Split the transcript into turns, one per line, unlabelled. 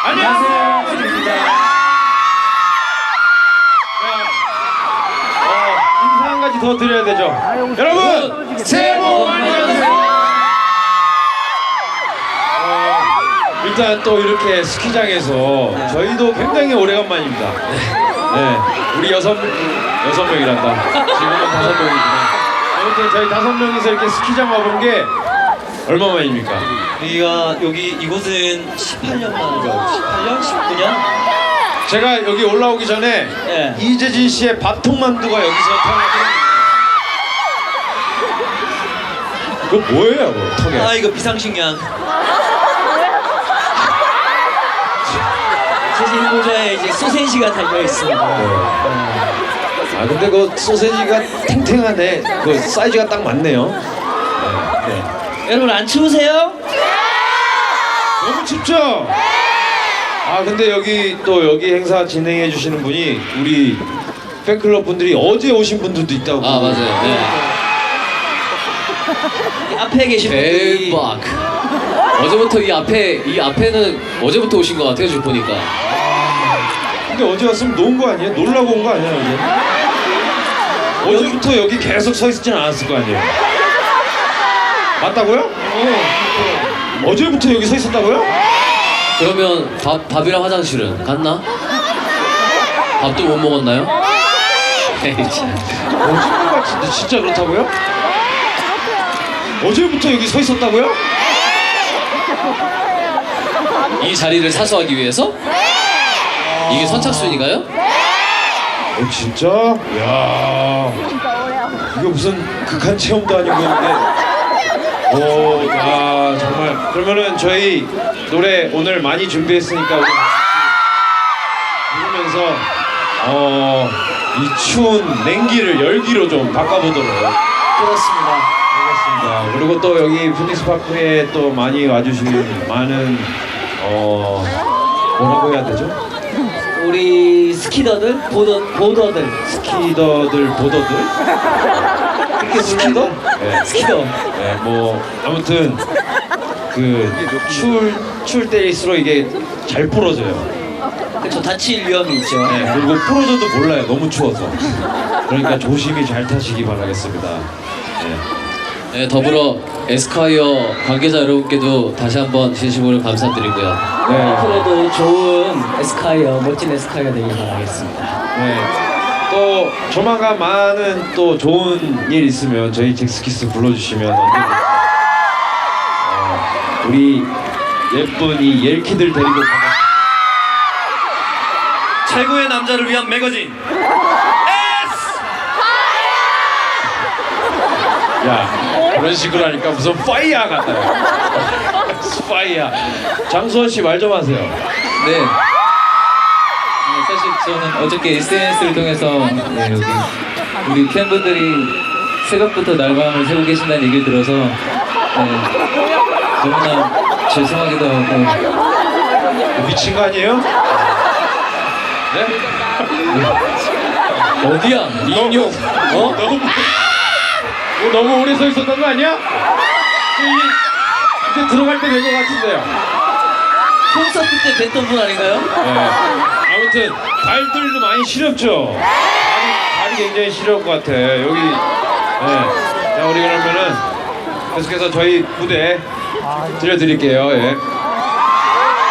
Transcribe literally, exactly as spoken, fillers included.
안녕하세요. 주입니다. 어, 인사 한 가지 더 드려야 되죠. 여러분 새해 복 많이 받으세요. 어, 일단 또 이렇게 스키장에서 저희도 굉장히 오래간만입니다. 네, 우리 여섯 여섯 명이란다. 지금은 다섯 명이구나. 아무튼 저희 다섯 명이서 이렇게 스키장 와본 게 얼마만입니까?
여기가 여기 이곳은 십팔 년 만이죠. 십팔 년, 십구 년?
제가 여기 올라오기 전에
예.
이재진 씨의 밥통만두가 여기서 태어났어요. 그거 뭐예요, 그거, 턱에?
아 이거 비상식량. 사실 모자에 이제 소세지가 달려 있습니다.
아 근데 그 소세지가 탱탱하네. 그 사이즈가 딱 맞네요. 네. 네.
여러분 안 추우세요?
너무 춥죠? 아 근데 여기 또 여기 행사 진행해 주시는 분이 우리 팬클럽 분들이 어제 오신 분들도 있다고.
아 맞아요. 네.
이 앞에 계신 분들이
대박. 어제부터 이 앞에 이 앞에는 어제부터 오신 것 같아요 지금 보니까.
근데 어제 왔으면 놓은 거 아니에요? 놀라고 온 거 아니에요, 어제? 어제부터 여기 계속 서 있지는 않았을 거 아니에요? 맞다고요? 어. 어제부터 여기 서 있었다고요?
그러면 밥 밥이랑 화장실은 갔나? 밥도 못 먹었나요? 에이 참.
거짓말 같은데 진짜 그렇다고요? 어제부터 여기 서 있었다고요?
이 자리를 사수하기 위해서? 이게 선착순인가요?
어 진짜? 이야 이거 무슨 극한 체험도 아니고 오, 아 정말 그러면은 저희 노래 오늘 많이 준비했으니까 우리 부르면서 어, 이 추운 냉기를 열기로 좀 바꿔보도록
그렇습니다.
하겠습니다. 그리고 또 여기 피닉스 파크에 또 많이 와주신 많은 어 뭐라고 해야 되죠?
우리 스키더들, 보더, 보더들,
스키더들, 보더들?
그렇게
스키더?
불러요.
네.
스키더.
네, 뭐 아무튼 그 추울 추울 때일수록 이게 잘 부러져요.
그렇죠. 다칠 위험이 있죠.
네, 그리고 부러져도 몰라요. 너무 추워서. 그러니까 조심히 잘 타시기 바라겠습니다. 네.
네, 더불어 에스콰이어 관계자 여러분께도 다시 한번 진심으로 감사드리고요.
네.
앞으로도 좋은 에스콰이어, 멋진 에스콰이어 되길 바라겠습니다.
네. 또 조만간 많은 또 좋은 일 있으면 저희 잭스키스 불러주시면 언제든 어, 우리 예쁜 이 옐키들 데리고 가겠습니다.
최고의 남자를 위한 매거진.
야 그런 식으로 하니까 무슨 파이어 같아요. 파이어. 장수원 씨 말 좀 하세요.
네. 네, 사실 저는 어저께 에스엔에스를 통해서 네, 여기 우리 팬분들이 새벽부터 날밤을 새고 계신다는 얘기를 들어서 네, 너무나 죄송하기도 하고
미친 거 아니에요? 네?
어디야? 인용.
어? 너무 어, 너무 오래 서 있었던 거 아니야? 이제, 이제 들어갈 때 된 것 같은데요.
콘서트 때 뵀던 분 아닌가요?
네. 아무튼 발들도 많이 시렵죠. 발이, 발이 굉장히 시려울 것 같아. 여기. 네. 자 우리 그러면은 계속해서 저희 무대 들려드릴게요. 예.